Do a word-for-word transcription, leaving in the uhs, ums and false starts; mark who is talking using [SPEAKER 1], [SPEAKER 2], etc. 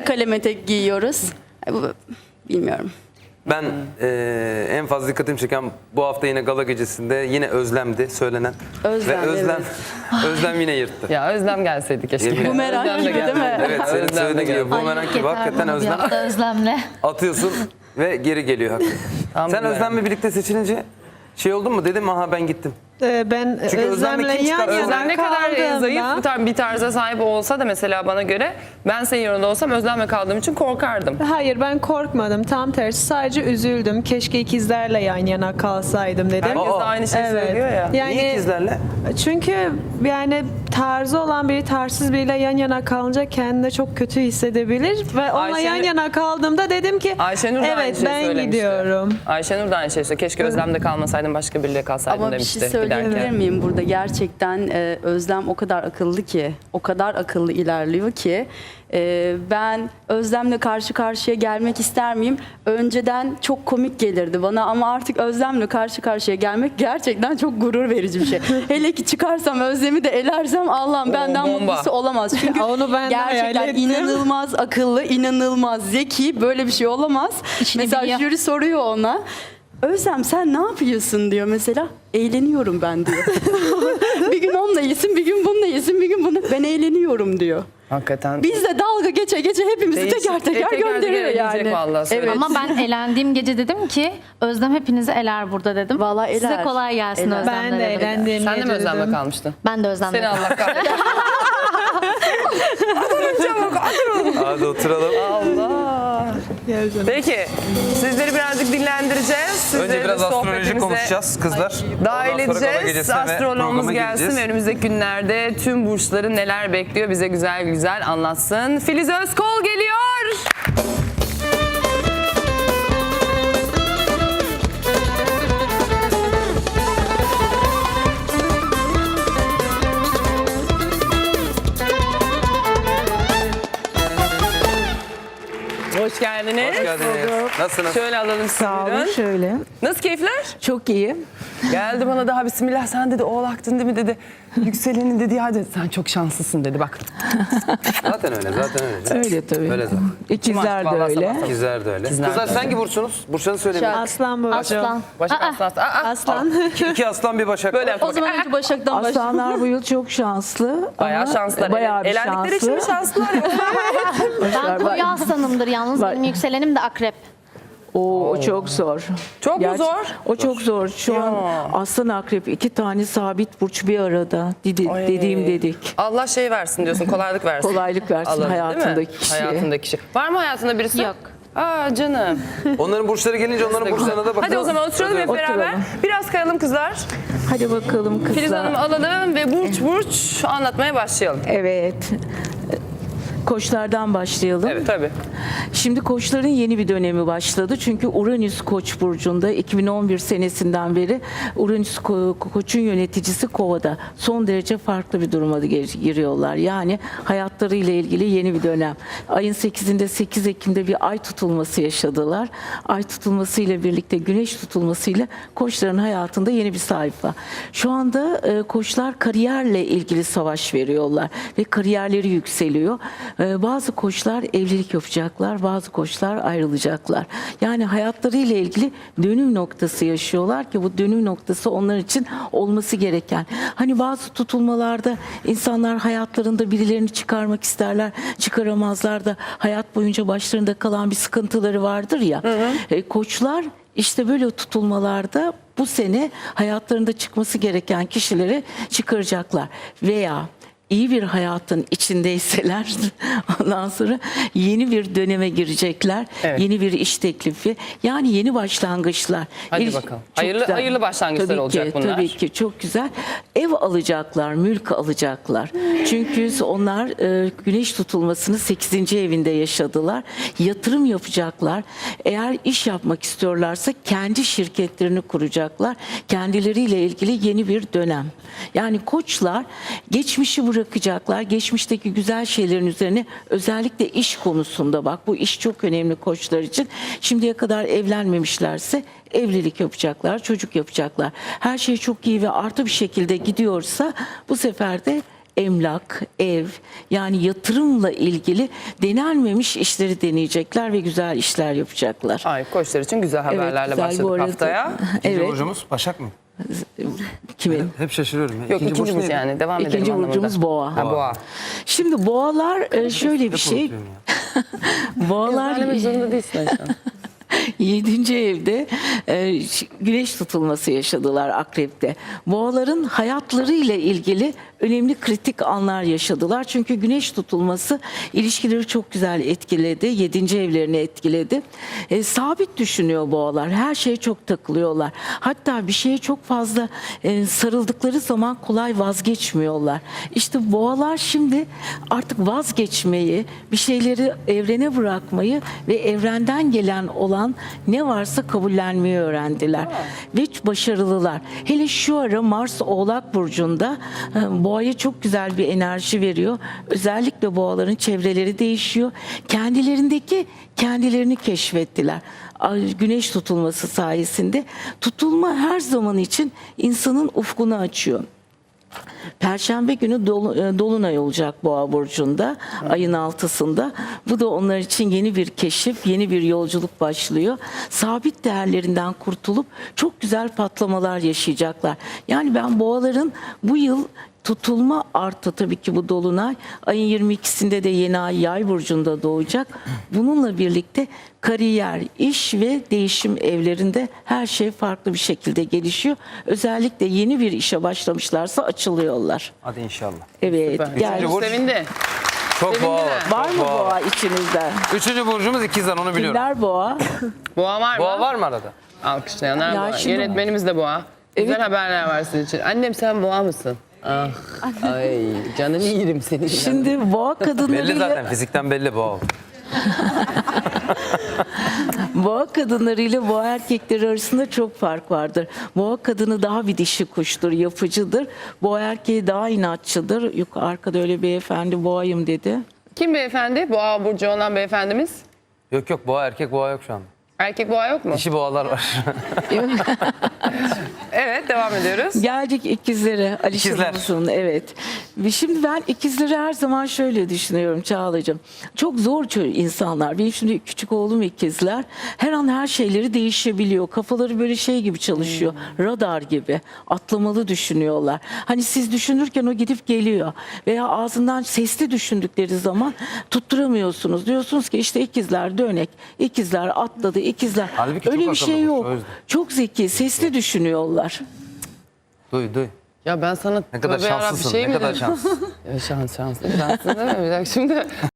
[SPEAKER 1] de kalem etek giyiyoruz. Bilmiyorum.
[SPEAKER 2] Ben e, en fazla dikkatimi çeken bu hafta yine gala gecesinde yine Özlem'di söylenen.
[SPEAKER 1] Özlem,
[SPEAKER 2] Ve Özlem,
[SPEAKER 1] evet.
[SPEAKER 2] Özlem yine yırttı.
[SPEAKER 3] Ya Özlem gelseydi keşke.
[SPEAKER 2] Yemin-
[SPEAKER 1] Bumerang
[SPEAKER 3] Özlem de
[SPEAKER 1] gibi değil mi?
[SPEAKER 3] geldi.
[SPEAKER 2] Evet, senin
[SPEAKER 3] Özlem de
[SPEAKER 2] söylediğin gibi
[SPEAKER 3] geldi.
[SPEAKER 2] bumerang gibi hakikaten Özlem
[SPEAKER 4] Özlemle.
[SPEAKER 2] atıyorsun ve geri geliyor hakikaten.
[SPEAKER 3] Tam
[SPEAKER 2] Sen
[SPEAKER 3] bumerang.
[SPEAKER 2] Özlem'le birlikte seçilince şey oldun mu dedim, aha ben gittim.
[SPEAKER 5] Ee, Ben
[SPEAKER 2] Çünkü Özlem'le
[SPEAKER 5] Özlem'le
[SPEAKER 2] kim
[SPEAKER 5] yan
[SPEAKER 2] çıkar?
[SPEAKER 5] yana
[SPEAKER 3] Özlem ne kadar
[SPEAKER 5] kaldığımda-
[SPEAKER 3] zayıf bir tar- bir tarza sahip olsa da mesela bana göre ben senin yanında olsam Özlem'le kaldığım için korkardım.
[SPEAKER 5] Hayır, ben korkmadım. Tam tersi, sadece üzüldüm. Keşke ikizlerle yan yana kalsaydım dedim.
[SPEAKER 3] Herkes de
[SPEAKER 2] Aa,
[SPEAKER 3] aynı şeyi
[SPEAKER 5] evet.
[SPEAKER 3] söylüyor ya.
[SPEAKER 5] Yani
[SPEAKER 2] Niye ikizlerle?
[SPEAKER 5] çünkü yani tarzı olan biri tarzsız biriyle yan yana kalınca kendini çok kötü hissedebilir ve onunla
[SPEAKER 3] Ayşenur-
[SPEAKER 5] yan yana kaldığımda dedim ki
[SPEAKER 3] Ayşenur da aynı
[SPEAKER 5] evet
[SPEAKER 3] şeyi
[SPEAKER 5] ben
[SPEAKER 3] söylemişti.
[SPEAKER 5] gidiyorum.
[SPEAKER 3] Ayşenur da aynı şeyi söylüyor. Keşke Özlem'de kalmasaydım başka biriyle kalsaydım
[SPEAKER 1] Ama bir
[SPEAKER 3] demişti
[SPEAKER 1] şey söyleyebilir
[SPEAKER 3] giderken.
[SPEAKER 1] miyim burada? Gerçekten e, Özlem o kadar akıllı ki, o kadar akıllı ilerliyor ki e, ben Özlem'le karşı karşıya gelmek ister miyim? Önceden çok komik gelirdi bana ama artık Özlem'le karşı karşıya gelmek gerçekten çok gurur verici bir şey. Hele ki çıkarsam Özlem'i de elersem Allah'ım
[SPEAKER 3] Oo,
[SPEAKER 1] benden
[SPEAKER 3] bomba.
[SPEAKER 1] mutlusu olamaz. Çünkü
[SPEAKER 5] Onu ben de hayal
[SPEAKER 1] gerçekten
[SPEAKER 5] ettim.
[SPEAKER 1] inanılmaz akıllı, inanılmaz zeki, böyle bir şey olamaz.
[SPEAKER 4] İşini
[SPEAKER 1] Mesela
[SPEAKER 4] biliyor.
[SPEAKER 1] jüri soruyor ona. Özlem sen ne yapıyorsun diyor mesela. Eğleniyorum ben diyor. Bir gün onunla iyisin, bir gün bununla iyisin, bir gün bunu. Ben eğleniyorum diyor.
[SPEAKER 3] Hakikaten.
[SPEAKER 1] Biz de dalga geçe geçe hepimizi
[SPEAKER 3] Değişik.
[SPEAKER 1] teker teker
[SPEAKER 3] E, teker
[SPEAKER 1] gönderiyor
[SPEAKER 3] teker
[SPEAKER 1] yani.
[SPEAKER 3] gidecek vallahi, söyle.
[SPEAKER 1] Evet.
[SPEAKER 4] Ama ben elendiğim gece dedim ki Özlem hepinizi eler burada dedim.
[SPEAKER 1] Vallahi
[SPEAKER 4] Size
[SPEAKER 1] eler.
[SPEAKER 4] kolay gelsin
[SPEAKER 1] Eler.
[SPEAKER 4] Özlem'le
[SPEAKER 5] Ben de
[SPEAKER 4] dedim.
[SPEAKER 5] eğlendiğim
[SPEAKER 3] Sen de mi
[SPEAKER 5] gece
[SPEAKER 3] Özlem'le
[SPEAKER 5] dedim.
[SPEAKER 3] kalmıştın?
[SPEAKER 4] Ben de Özlem'le.
[SPEAKER 3] Seni Allah kahretsin. Çabuk oturun.
[SPEAKER 2] Hadi oturalım.
[SPEAKER 3] Allah. Peki sizleri birazcık dinlendireceğiz. Sizleri
[SPEAKER 2] Önce biraz astroloji
[SPEAKER 3] sohbetimize
[SPEAKER 2] konuşacağız kızlar.
[SPEAKER 3] Dahil
[SPEAKER 2] Ondan sonra gala
[SPEAKER 3] edeceğiz.
[SPEAKER 2] gecesine ve
[SPEAKER 3] Astrologumuz
[SPEAKER 2] programa
[SPEAKER 3] gelsin
[SPEAKER 2] gideceğiz.
[SPEAKER 3] ve önümüzdeki günlerde tüm burçları neler bekliyor bize güzel güzel anlatsın. Filiz Özkol geliyor. Hoş geldiniz.
[SPEAKER 2] Hoş geldiniz. Nasılsınız?
[SPEAKER 3] Şöyle alalım sizi.
[SPEAKER 6] Sağ olun,
[SPEAKER 3] buyurun.
[SPEAKER 6] şöyle.
[SPEAKER 3] Nasıl keyifler?
[SPEAKER 6] Çok iyi.
[SPEAKER 3] Geldi bana daha bismillah sen dedi oğlaktın değil mi dedi. Yükselenin dedi ya dedi sen çok şanslısın dedi bak.
[SPEAKER 2] Zaten öyle, zaten öyle.
[SPEAKER 6] Öyle tabii.
[SPEAKER 2] Öyle zaten.
[SPEAKER 6] İkizler de
[SPEAKER 3] Vallahi
[SPEAKER 6] öyle.
[SPEAKER 3] sabah sabah.
[SPEAKER 2] İkizler de öyle.
[SPEAKER 3] İkizler
[SPEAKER 2] Kızlar
[SPEAKER 3] de
[SPEAKER 2] sen
[SPEAKER 3] öyle.
[SPEAKER 2] hangi burçsunuz? Burçlarını söyleyin.
[SPEAKER 5] Aslan burcu.
[SPEAKER 4] Aslan.
[SPEAKER 3] Başak
[SPEAKER 4] Aa,
[SPEAKER 3] aslan. Aa, aa.
[SPEAKER 5] Aslan.
[SPEAKER 2] İki, iki aslan bir başak.
[SPEAKER 3] Böyle
[SPEAKER 2] var.
[SPEAKER 3] yap
[SPEAKER 1] O
[SPEAKER 3] bak.
[SPEAKER 1] zaman önce Başak'tan başlayalım.
[SPEAKER 6] Aslanlar bu yıl çok şanslı.
[SPEAKER 3] Bayağı
[SPEAKER 6] ama
[SPEAKER 3] şanslılar.
[SPEAKER 6] Bayağı bir
[SPEAKER 3] Elendikleri için mi
[SPEAKER 6] şanslı.
[SPEAKER 3] şanslılar ya?
[SPEAKER 4] Ben koyu aslanımdır yalnız.
[SPEAKER 6] Var.
[SPEAKER 4] Benim yükselenim de akrep.
[SPEAKER 6] O, o çok zor.
[SPEAKER 3] Çok mu zor?
[SPEAKER 6] O çok zor. Şu
[SPEAKER 3] Ya.
[SPEAKER 6] an aslan akrep iki tane sabit burç bir arada. Dedi,
[SPEAKER 3] Ay.
[SPEAKER 6] dediğim dedik.
[SPEAKER 3] Allah şey versin diyorsun kolaylık versin.
[SPEAKER 6] Kolaylık versin
[SPEAKER 3] Alanı, değil mi?
[SPEAKER 6] hayatındaki kişiye.
[SPEAKER 3] Hayatındaki kişi. Var mı hayatında birisi?
[SPEAKER 4] Yok.
[SPEAKER 3] Aa canım.
[SPEAKER 2] Onların burçları gelince onların burçlarına da bakalım.
[SPEAKER 3] Hadi o zaman oturalım hep beraber.
[SPEAKER 6] Oturalım.
[SPEAKER 3] Biraz kayalım kızlar.
[SPEAKER 6] Hadi bakalım
[SPEAKER 3] Filiz
[SPEAKER 6] kızlar.
[SPEAKER 3] Hanım'ı alalım ve burç burç anlatmaya başlayalım.
[SPEAKER 6] Evet. Koçlardan başlayalım.
[SPEAKER 3] Evet tabii.
[SPEAKER 6] Şimdi koçların yeni bir dönemi başladı. Çünkü Uranüs Koç burcunda iki bin on bir senesinden beri Uranüs Ko- Koç'un yöneticisi Kova'da. Son derece farklı bir duruma da gir- giriyorlar. Yani hayatlarıyla ilgili yeni bir dönem. Ayın sekizinde sekiz Ekim'de bir ay tutulması yaşadılar. Ay tutulması ile birlikte güneş tutulmasıyla koçların hayatında yeni bir sayfa. Şu anda e, koçlar kariyerle ilgili savaş veriyorlar ve kariyerleri yükseliyor. E, bazı koçlar evlilik yapacaklar, bazı koçlar ayrılacaklar. Yani hayatlarıyla ilgili dönüm noktası yaşıyorlar ki bu dönüm noktası onlar için olması gereken. Hani bazı tutulmalarda insanlar hayatlarında birilerini çıkarmak isterler, çıkaramazlar da hayat boyunca başlarında kalan bir sıkıntıları vardır ya. Hı hı. E, koçlar işte böyle tutulmalarda bu sene hayatlarında çıkması gereken kişileri çıkaracaklar veya iyi bir hayatın içindeyseler ondan sonra yeni bir döneme girecekler.
[SPEAKER 3] Evet.
[SPEAKER 6] Yeni bir iş teklifi. Yani yeni başlangıçlar.
[SPEAKER 3] Hadi
[SPEAKER 6] İlk-
[SPEAKER 3] bakalım.
[SPEAKER 6] çok
[SPEAKER 3] Hayırlı-
[SPEAKER 6] güzel.
[SPEAKER 3] hayırlı başlangıçlar
[SPEAKER 6] Tabii
[SPEAKER 3] olacak
[SPEAKER 6] ki,
[SPEAKER 3] bunlar.
[SPEAKER 6] Tabii ki çok güzel. Ev alacaklar, mülk alacaklar. Çünkü onlar e, güneş tutulmasını sekizinci evinde yaşadılar. Yatırım yapacaklar. Eğer iş yapmak istiyorlarsa kendi şirketlerini kuracaklar. Kendileriyle ilgili yeni bir dönem. Yani koçlar geçmişi bırakacaklar. Geçmişteki güzel şeylerin üzerine özellikle iş konusunda bak bu iş çok önemli koçlar için. Şimdiye kadar evlenmemişlerse evlilik yapacaklar, çocuk yapacaklar. Her şey çok iyi ve artı bir şekilde gidiyorsa bu sefer de emlak, ev, yani yatırımla ilgili denenmemiş işleri deneyecekler ve güzel işler yapacaklar.
[SPEAKER 3] Ay, koçlar için güzel haberlerle
[SPEAKER 6] güzel. Bu
[SPEAKER 3] başladık
[SPEAKER 6] arada-
[SPEAKER 3] haftaya.
[SPEAKER 2] İkinci
[SPEAKER 6] Evet.
[SPEAKER 2] burcumuz Başak mı?
[SPEAKER 6] Kimin?
[SPEAKER 2] Hep şaşırıyorum. ya.
[SPEAKER 3] Yok, ikinci burç
[SPEAKER 2] neydi?
[SPEAKER 3] yani. Devam edelim
[SPEAKER 6] İkinci
[SPEAKER 3] anlamında.
[SPEAKER 6] burcumuz boğa.
[SPEAKER 3] Ha, boğa.
[SPEAKER 6] Şimdi boğalar e, şöyle bir şey.
[SPEAKER 2] unutuyorum ya.
[SPEAKER 6] Boğalar
[SPEAKER 3] Söylemek zorunda değilsin Ayşe.
[SPEAKER 6] yedinci evde e, ş- güneş tutulması yaşadılar Akrep'te. Boğaların hayatları ile ilgili önemli kritik anlar yaşadılar. Çünkü güneş tutulması ilişkileri çok güzel etkiledi. Yedinci evlerini etkiledi. E, sabit düşünüyor boğalar. Her şeye çok takılıyorlar. Hatta bir şeye çok fazla e, sarıldıkları zaman kolay vazgeçmiyorlar. İşte boğalar şimdi artık vazgeçmeyi, bir şeyleri evrene bırakmayı ve evrenden gelen olan ne varsa kabullenmeyi öğrendiler. Ve başarılılar. Hele şu ara Mars Oğlak Burcu'nda e, boğaya çok güzel bir enerji veriyor. Özellikle boğaların çevreleri değişiyor. Kendilerindeki kendilerini keşfettiler. Ay, güneş tutulması sayesinde. Tutulma her zaman için insanın ufkunu açıyor. Perşembe günü dolu- e, dolunay olacak Boğa burcunda, ayın altısında. Bu da onlar için yeni bir keşif, yeni bir yolculuk başlıyor. Sabit değerlerinden kurtulup çok güzel patlamalar yaşayacaklar. Yani ben boğaların bu yıl tutulma artı tabii ki bu dolunay, ayın yirmi ikisinde de yeni ay Yay burcunda doğacak. Bununla birlikte kariyer, iş ve değişim evlerinde her şey farklı bir şekilde gelişiyor. Özellikle yeni bir işe başlamışlarsa açılıyorlar.
[SPEAKER 2] Hadi inşallah.
[SPEAKER 6] Evet,
[SPEAKER 3] Süper.
[SPEAKER 6] gel.
[SPEAKER 2] Üçüncü burç.
[SPEAKER 3] Sevindi.
[SPEAKER 2] Çok
[SPEAKER 3] Sevindi
[SPEAKER 2] boğa
[SPEAKER 3] mi?
[SPEAKER 2] var.
[SPEAKER 6] Var
[SPEAKER 2] çok
[SPEAKER 6] mı
[SPEAKER 2] boğa
[SPEAKER 6] boğa
[SPEAKER 2] var.
[SPEAKER 6] içinizde?
[SPEAKER 2] Üçüncü burcumuz ikizler, onu biliyorum.
[SPEAKER 6] Kimler boğa?
[SPEAKER 3] Boğa var mı?
[SPEAKER 2] Boğa var mı arada?
[SPEAKER 3] Alkışlayanlar
[SPEAKER 6] Ya
[SPEAKER 3] boğa.
[SPEAKER 6] şimdi-
[SPEAKER 3] Yönetmenimiz de boğa. Güzel haberler var sizin için. Annem sen boğa mısın? Ah, ay canını yerim senin.
[SPEAKER 6] Şimdi boğa
[SPEAKER 2] Belli
[SPEAKER 6] kadınlarıyla
[SPEAKER 2] zaten. Fizikten belli boğa.
[SPEAKER 6] boğa kadınlarıyla boğa erkekleri arasında çok fark vardır. Boğa kadını daha bir dişi kuştur, yapıcıdır. Boğa erkeği daha inatçıdır. Yok, arkada öyle beyefendi boğayım dedi.
[SPEAKER 3] Kim beyefendi? Boğa burcu olan beyefendimiz.
[SPEAKER 2] Yok yok, boğa erkek boğa yok şu anda.
[SPEAKER 3] Erkek boğa yok mu?
[SPEAKER 2] Dişi boğalar var.
[SPEAKER 3] Evet, devam ediyoruz.
[SPEAKER 6] Geldik ikizlere. Alişan
[SPEAKER 2] İkizler.
[SPEAKER 6] Uzun, evet. Ve şimdi ben ikizleri her zaman şöyle düşünüyorum Çağla'cığım. Çok zor çö- insanlar. Benim şimdi küçük oğlum ikizler. Her an her şeyleri değişebiliyor. Kafaları böyle şey gibi çalışıyor. Radar gibi. Atlamalı düşünüyorlar. Hani siz düşünürken o gidip geliyor. Veya ağzından sesli düşündükleri zaman tutturamıyorsunuz. Diyorsunuz ki işte ikizler dönek. İkizler atladı. İkizler.
[SPEAKER 2] Halbuki
[SPEAKER 6] Öyle
[SPEAKER 2] çok
[SPEAKER 6] bir şey
[SPEAKER 2] akıllı bu,
[SPEAKER 6] yok.
[SPEAKER 2] o yüzden.
[SPEAKER 6] Çok zeki. Sesli düşünüyorlar.
[SPEAKER 2] Duy duy.
[SPEAKER 3] Ya ben sana
[SPEAKER 2] Ne kadar
[SPEAKER 3] tövbe yarabbim
[SPEAKER 2] şanslısın.
[SPEAKER 3] şey
[SPEAKER 2] ne
[SPEAKER 3] mi
[SPEAKER 2] kadar
[SPEAKER 3] dedim?
[SPEAKER 2] şanslısın.
[SPEAKER 3] Ya şans şanslı şanslı değil mi? Bir dakika şimdi